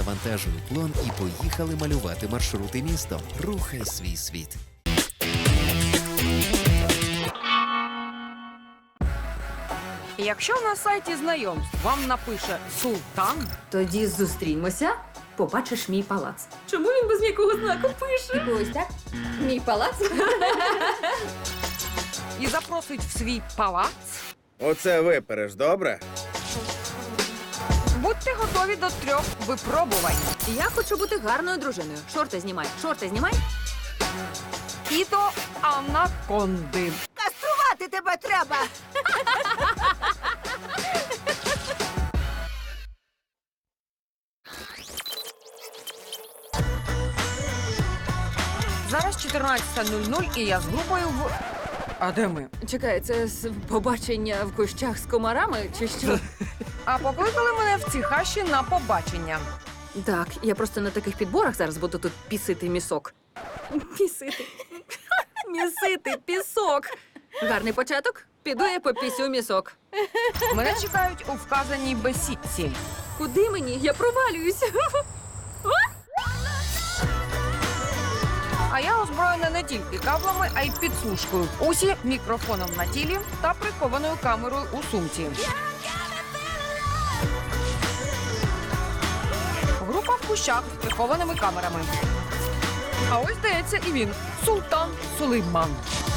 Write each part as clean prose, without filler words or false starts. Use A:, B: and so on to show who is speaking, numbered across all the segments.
A: завантажили плон і поїхали малювати маршрути містом. Рухай свій світ.
B: Якщо на сайті знайомств вам напише «Султан»,
C: Тоді зустрінемося, побачиш мій палац. Чому він без ніякого знаку пише?
D: Ось так? Мій палац?
B: і запросить в свій палац,
E: Оце випереш, добре?
B: будьте готові до 3 випробувань.
C: Я хочу бути гарною дружиною. Шорти знімай, шорти знімай.
B: І до анаконди.
D: Каструвати тебе треба!
B: Зараз 14:00 і я з групою в... А де ми?
C: Чекай, це побачення в кущах з комарами чи що?
B: А покликали мене в ці хащі на побачення.
C: Так, я просто на таких підборах зараз буду тут пісити місок. Пісити. Місити пісок. Гарний початок. Піду я попісю місок.
B: Мене чекають у вказаній бесідці.
C: Куди мені? Я провалююсь.
B: А я озброєна не тільки каблами, а й підслужкою. Усі мікрофоном на тілі та прихованою камерою у сумці. Група в кущах з прихованими камерами. А ось, здається, і він. Султан Сулейман.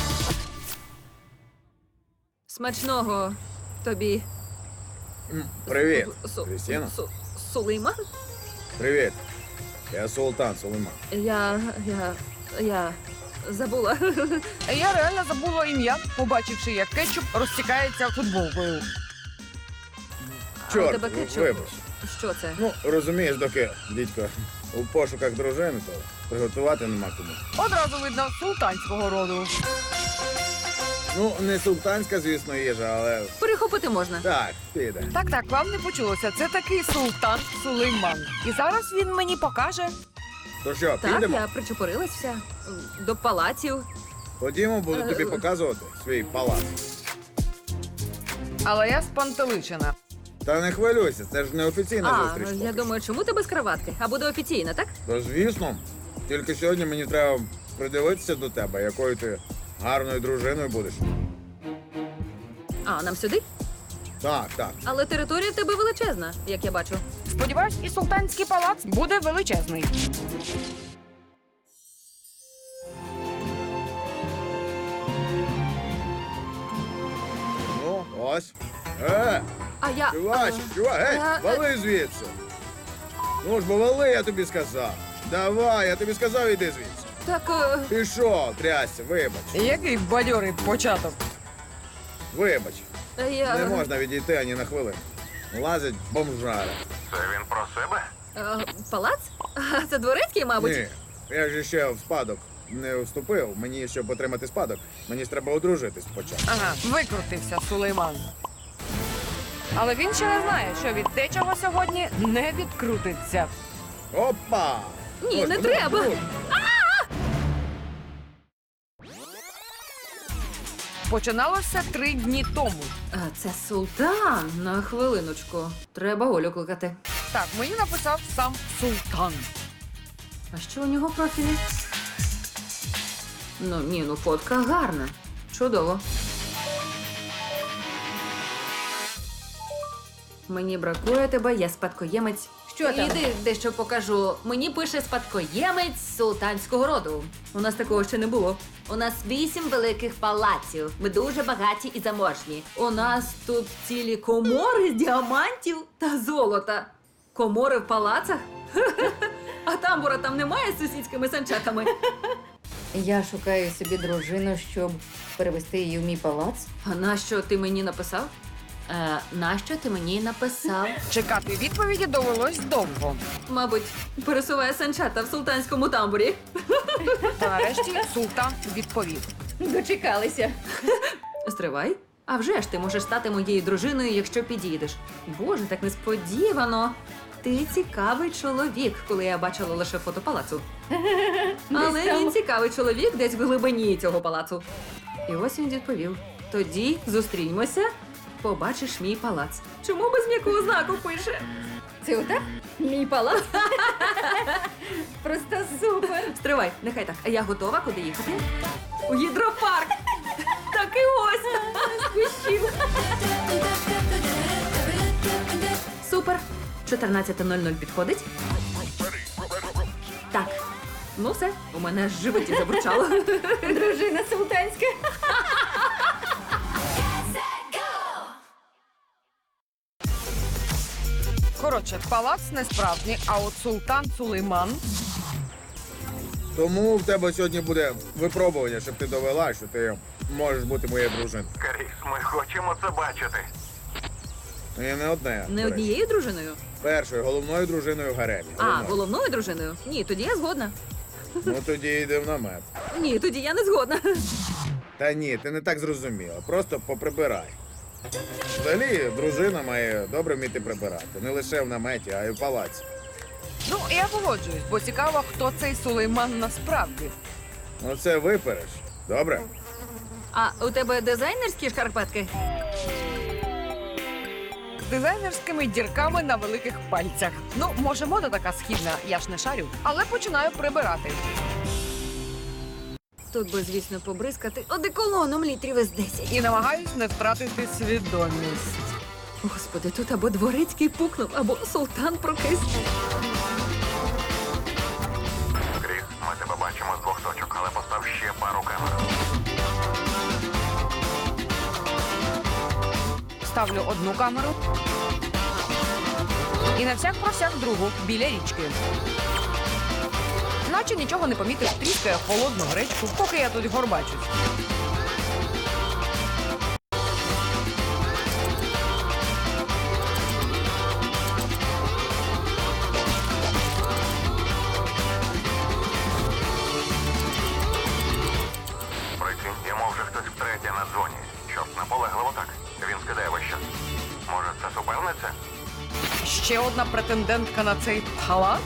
C: Смачного тобі.
E: Привіт,
C: Су-
E: Крістіна.
C: Су- Сулейман?
E: Привіт. Я Султан Сулейман.
C: Я забула.
B: Я реально забула ім'я, побачивши, як кетчуп розтікається футболкою.
C: А у
E: Чорт,
C: тебе кетчуп?
E: вибач.
C: Що це?
E: Ну, розумієш, доки дідько у пошуках дружини, то приготувати нема кому.
B: Одразу видно султанського роду.
E: Ну, не султанська, звісно, їжа, але
C: Перехопити можна.
E: так, піде.
B: Так, вам не почулося. Це такий Султан Сулейман. І зараз він мені покаже.
E: То що,
C: Так,
E: підемо?
C: я причепурилась вся. До палаців.
E: Ходімо, буду тобі показувати свій палац.
B: Але я спантеличена.
E: Та не хвилюйся, це ж не офіційна
C: А,
E: зустріч.
C: я
E: поки
C: думаю, чому ти без краватки? А буде офіційно, так?
E: що. То звісно, тільки сьогодні мені треба придивитися до тебе, якою ти гарною дружиною будеш.
C: А, нам сюди?
E: Так.
C: Але територія в тебе величезна, як я бачу.
B: Сподіваюсь, і султанський палац буде величезний.
E: Ну, ось.
C: А я...
E: Чувак, гей,
C: а,
E: вали звідси. Ну ж, бо вали, я тобі сказав. Давай, я тобі сказав, іди звідси.
C: Так,
E: Пішов, трясся, вибач.
B: Який бадьорий початок.
E: Вибач.
C: я...
E: Не можна відійти ані на хвилину. Лазять бомжари.
C: Палац? А, це дворецький, мабуть?
E: Ні, я ж ще в спадок не вступив. Мені, щоб отримати спадок, мені ж треба одружитись спочатку.
B: Ага, викрутився Сулейман. Але він ще не знає, що від дечого сьогодні не відкрутиться.
E: Опа!
C: Ні, не
E: Господи,
C: треба.
E: ну,
B: Починалося 3 дні тому.
C: А, це султан. На хвилиночку. Треба Олю кликати.
B: Так, мені написав сам Султан.
C: А що у нього в профілі? Ну, фотка гарна. Чудово. Мені бракує тебе, я спадкоємець.
D: Що там?
C: Іди, дещо покажу. Мені пише спадкоємець султанського роду. У нас такого ще не було. У нас 8 великих палаців. Ми дуже багаті і заможні. У нас тут цілі комори з діамантів та золота. Комори в палацах? А тамбура там немає з сусідськими санчатами?
D: Я шукаю собі дружину, щоб перевести її в мій палац.
C: А нащо ти мені написав? Нащо ти мені написав?
B: Чекати відповіді довелось довго.
C: Мабуть, пересуває санчата в султанському тамбурі.
B: Та нарешті Султан відповів.
D: Дочекалися.
C: Стривай. А вже ж ти можеш стати моєю дружиною, якщо підійдеш. Боже, так несподівано. Ти цікавий чоловік, коли я бачила лише фото палацу. Але
D: там.
C: він цікавий чоловік десь в глибині цього палацу. І ось він відповів. Тоді зустріньмося, побачиш мій палац. Чому без м'якого знаку пише?
D: Це отак? Мій палац. Просто супер.
C: Стривай, нехай так. А я готова, куди їхати? У гідропарк. Так і ось. Спущив. Супер. 14:00 підходить? Так. Ну все, у мене аж в животі забурчало.
D: Дружина султанська.
B: Коротше, палац не справжній, а от султан Сулейман.
E: Тому в тебе сьогодні буде випробування, щоб ти довела, що ти можеш бути моєю дружиною.
F: Кріс, ми хочемо це бачити.
E: І не одне.
C: Не
E: до речі.
C: однією дружиною?
E: Першою, головною дружиною в гаремі.
C: А, головною дружиною? Ні, тоді я згодна.
E: Ну тоді йди в намет.
C: Ні, тоді я не згодна.
E: Та ні, ти не так зрозуміла. Просто поприбирай. Взагалі, дружина має добре вміти прибирати. Не лише в наметі, а й в палаці.
B: Ну, я погоджуюсь, бо цікаво, хто цей Сулейман насправді.
E: Ну це випереш. Добре?
C: А у тебе дизайнерські шкарпетки?
B: З дизайнерськими дірками на великих пальцях. Ну, може, мода така східна, я ж не шарю, але починаю прибирати.
C: Тут би, звісно, побризкати одеколоном літрів із 10.
B: І намагаюсь не втратити свідомість.
C: Господи, тут або дворецький пукнув, або султан прокис.
F: Кріс, ми тебе бачимо з двох точок, але постав ще пару камер.
B: Ставлю одну камеру. І на всяк про всяк другу, біля річки. Наче нічого не помітив, тріскає холодну гречку, поки я тут горбачусь.
F: Прикинь, йому вже хтось втретє на дзвоні. Що ж, наполегливо так. Він скидає вище. Може, це суперниця?
B: Ще одна претендентка на цей палац.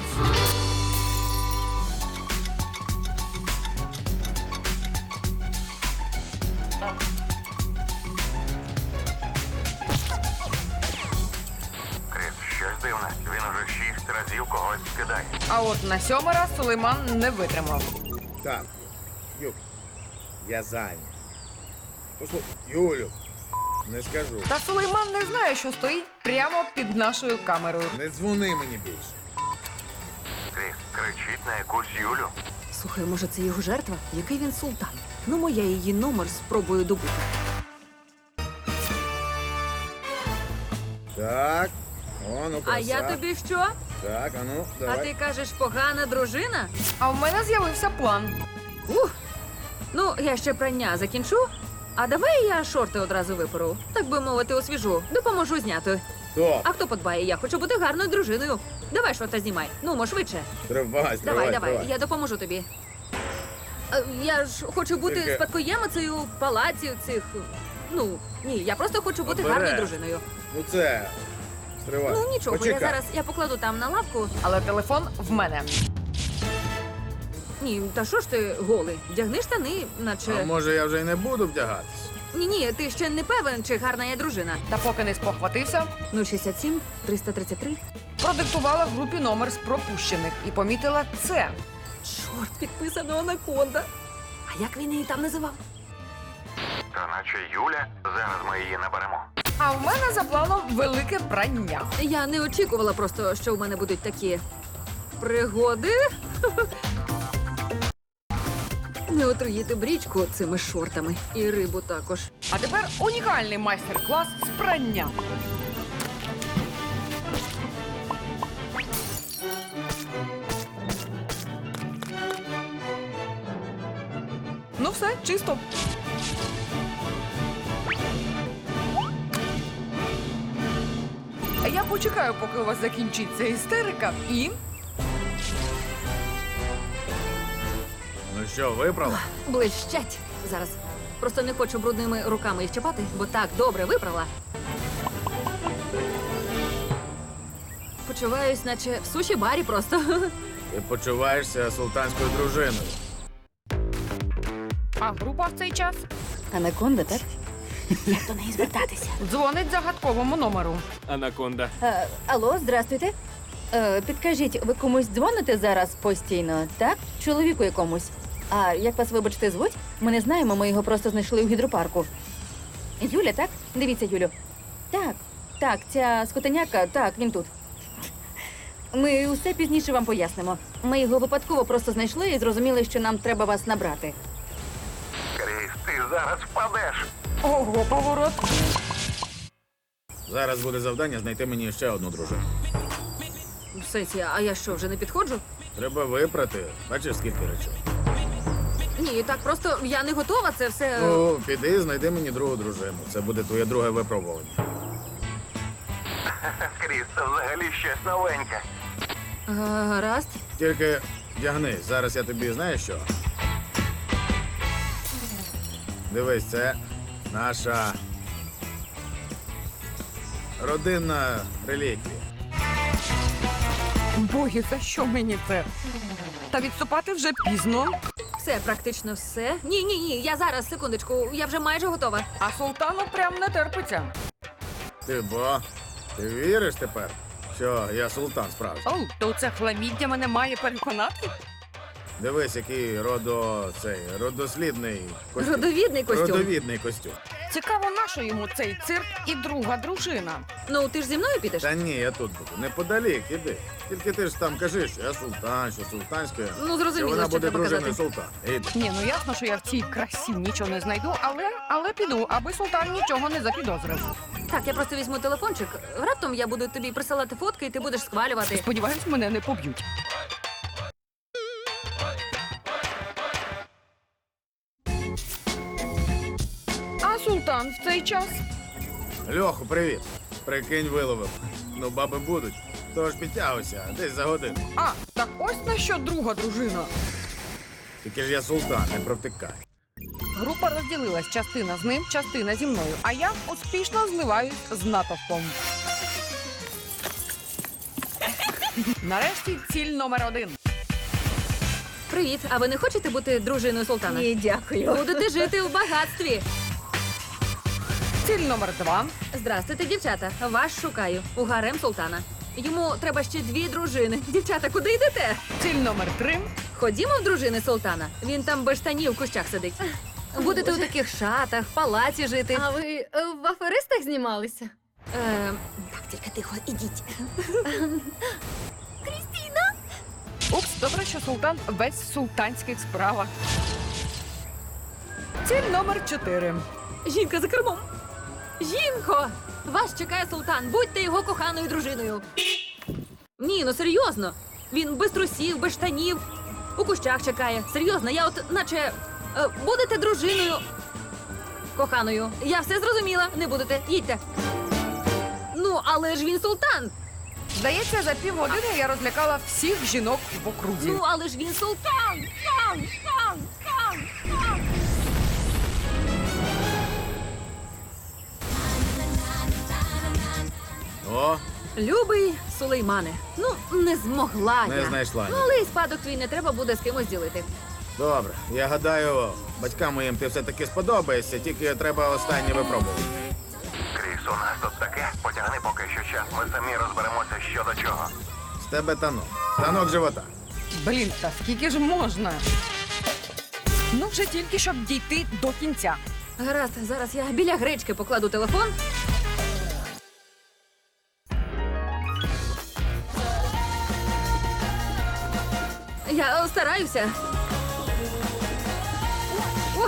F: Кріс, щось дивне. Він уже 6 разів когось скидає.
B: А от на 7-й раз Сулейман не витримав.
E: Так, Юль, я зайнят. Послухай, Юлю, не скажу.
B: Та Сулейман не знає, що стоїть прямо під нашою камерою.
E: Не дзвони мені більше.
F: Кріс, кричить на якусь Юлю.
C: Слухай, може, це його жертва? Який він султан? Ну, моя її номер спробую добути.
E: Так, о, ну краса.
C: А я тобі що?
E: Так, а ну, давай.
C: А ти кажеш, погана дружина?
B: А в мене з'явився план.
C: Ну, я ще прання закінчу. А давай я шорти одразу випору. Так би мовити, освіжу. Допоможу зняти.
E: Стоп,
C: А хто подбає? Я хочу бути гарною дружиною. Давай шорти знімай. Ну, мо швидше.
E: тривай,
C: Давай, я допоможу тобі. Я ж хочу бути
E: Тільки-
C: спадкоємицею в палаці цих. Ну, ні, я просто хочу бути
E: Обережно.
C: гарною дружиною.
E: Ну це, стривай.
C: Ну нічого,
E: Почекай.
C: я покладу там на лавку.
B: Але телефон в мене.
C: Ні, та що ж ти голий? Вдягни штани,
E: А
C: наче.
E: може я вже й не буду вдягатись?
C: Ні, ти ще не певен, чи гарна я дружина.
B: Та поки не спохватився,
C: 067 333.
B: продиктувала в групі номер з пропущених і помітила це.
C: Чорт, підписано Анаконда. А як він її там називав?
F: Та наче Юля. Зараз ми її наберемо.
B: А в мене за планом велике прання.
C: Я не очікувала просто, що в мене будуть такі пригоди. Не отруїти брічку цими шортами. І рибу також.
B: А тепер унікальний майстер-клас з прання. Ну все, чисто. А я почекаю, поки у вас закінчиться істерика, і
E: Ну що, виправила?
C: Блищать. Зараз. Просто не хочу брудними руками їх чіпати, бо так добре виправила. Почуваюсь, наче в суші-барі просто.
E: Ти почуваєшся султанською дружиною.
B: а група в цей час
D: Анаконда, так?
C: Як до неї звертатися?
B: дзвонить загадковому номеру.
G: Анаконда.
D: Алло, здрастуйте. Підкажіть, ви комусь дзвоните зараз постійно, так? Чоловіку якомусь. А як вас, вибачте, звуть? Ми не знаємо, ми його просто знайшли у гідропарку. Юля, так? Дивіться, Юлю. Так, ця скотеняка, так, він тут. Ми усе пізніше вам пояснимо. Ми його випадково просто знайшли і зрозуміли, що нам треба вас набрати.
F: Кріс, ти зараз впадеш.
B: Ого, поворот.
E: Зараз буде завдання знайти мені ще одну дружину.
C: В сенсі, а я що, вже не підходжу?
E: Треба випрати. Бачиш, скільки речей.
C: Ні, так просто я не готова, це все.
E: Ну, піди, знайди мені другу дружину. Це буде твоє друге випробування.
F: Кріс, це взагалі щось новеньке.
C: Гаразд.
E: Тільки вдягнись, зараз я тобі знаєш що? Дивись, це наша родинна реліквія.
B: Боги, за що мені це? Та відступати вже пізно.
C: Все, практично все. Ні, я зараз, секундочку, я вже майже готова.
B: А султану прям не терпиться.
E: Ти віриш тепер, що я султан справжній?
B: Оу, то це хламіддя мене має переконати?
E: Дивись, який родослідний костюм.
C: Родовідний костюм.
E: Родовідний костюм.
B: Цікаво, нащо йому цей цирк і друга дружина?
C: Ну, ти ж зі мною підеш?
E: Та ні, я тут буду. Неподалік, іди. Тільки ти ж там кажи, що я султан, що султанське.
C: Ну, зрозуміло,
E: що вона
C: що
E: буде
C: треба
E: дружиною
C: казати.
E: султана. Іди.
B: Ні, ну ясно, що я в цій красі нічого не знайду, але піду, аби султан нічого не запідозрив.
C: Так, я просто візьму телефончик. Раптом я буду тобі присилати фотки, і ти будеш схвалювати.
B: Сподіваюсь, мене не поб'ють. А султан в цей час?
E: Льоху, привіт. Прикинь, виловив. Ну, баби будуть. Тож підтягуйся, десь за годину.
B: А, так ось на що друга дружина.
E: Тільки ж я султан, не провтикай.
B: Група розділилась, частина з ним, частина зі мною, а я успішно зливаюсь з натовпом. Нарешті ціль номер 1.
C: Привіт, а ви не хочете бути дружиною султана?
D: Ні, дякую.
C: Будете жити у багатстві.
B: Ціль номер 2.
C: Здрастуйте, дівчата. Вас шукаю. У гарем султана. Йому треба ще 2 дружини. Дівчата, куди йдете?
B: Ціль номер 3.
C: Ходімо в дружини султана. Він там без штанів в кущах сидить. Будете у таких шатах, в палаці жити.
D: А ви в аферистах знімалися?
C: Так, тільки тихо, ідіть.
B: Упс, добре, що султан весь в султанських справах. Ціль номер 4.
C: Жінка за кермом. Жінко! Вас чекає султан. Будьте його коханою дружиною. Ні, ну серйозно. Він без трусів, без штанів. У кущах чекає. Серйозно, я от наче... будете дружиною. Коханою. Я все зрозуміла. Не будете. Їдьте. Ну, але ж він султан.
B: Здається, за півгодини я розлякала всіх жінок в окрузі.
C: Ну, але ж він султан.
E: О,
C: Любий Сулеймане. Ну, не змогла
E: не
C: я.
E: знайшла.
C: Ну, але і спадок твій не треба буде з кимось ділити.
E: Добре, я гадаю, батькам моїм ти все-таки сподобаєшся, тільки треба останнє випробувати.
F: Кріс, у нас тут таке. Потягни поки що час. Ми самі розберемося, що до чого.
E: З тебе танок. Танок живота.
B: Блін, та скільки ж можна? Ну, вже тільки, щоб дійти до кінця.
C: Гаразд, зараз я біля гречки покладу телефон. Я стараюся. О,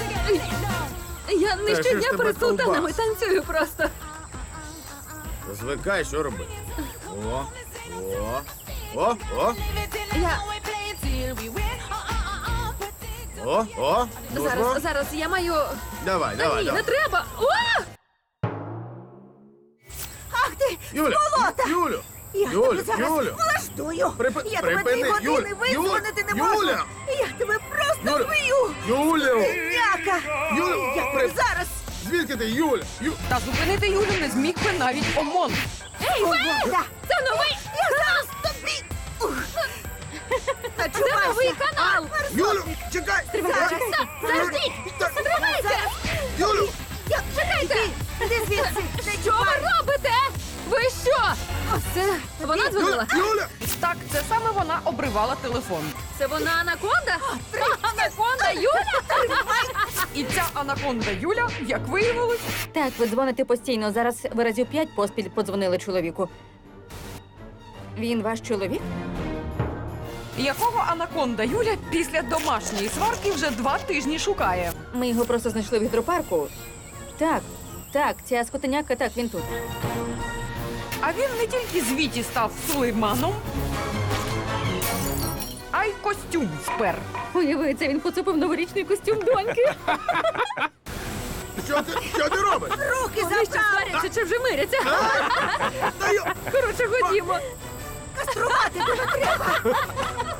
C: я не
E: Та що ж
C: щодня
E: тебе
C: перед султанами
E: ковбас?
C: танцюю просто.
E: Звикай, що робити. О.
C: Я
E: О. Ну,
C: зараз я маю.
E: Давай.
C: Ні, не треба. О!
E: Юля! Юлю! Юлю!
G: Влаштую. Я тебе 2
E: Припини!
G: години визвонити не можу.
E: Юля!
G: Я тебе просто
E: Юля!
G: вб'ю.
E: Юлю!
G: Няка.
E: Юлю!
G: Я тебе зараз.
E: Звідки ти, Юля?
B: Та зупинити Юлю не зміг би навіть ОМОН.
G: Свобода.
C: Це новий!
G: Я зараз тобі.
C: Це
G: Начувайся.
C: новий канал!
E: Юлю! Чекай!
C: Зараз! Заждіть! Стривайте!
E: Юлю!
C: Чекайте!
G: Іди звідси.
C: Що ви робите? Ви що? Це вона дзвонила?
E: Юля!
B: Так, це саме вона обривала телефон.
C: Це вона анаконда? Анаконда, Юля?
B: І ця анаконда Юля, як виявилось,
D: Так, ви дзвоните постійно. Зараз ви разів 5 поспіль подзвонили чоловіку. Він ваш чоловік?
B: якого анаконда Юля після домашньої сварки вже 2 тижні шукає.
D: Ми його просто знайшли в гідропарку. Так, ця скотиняка, так, він тут.
B: А він не тільки з Віті став Сулейманом, а й костюм спер.
D: Уявиться, він поцупив новорічний костюм доньки.
E: Що ти робиш?
G: Руки
C: Вони що
G: забрав!
C: сваряться чи вже миряться?
E: Та й-
C: Коротше, ходімо.
G: Каструвати тебе треба!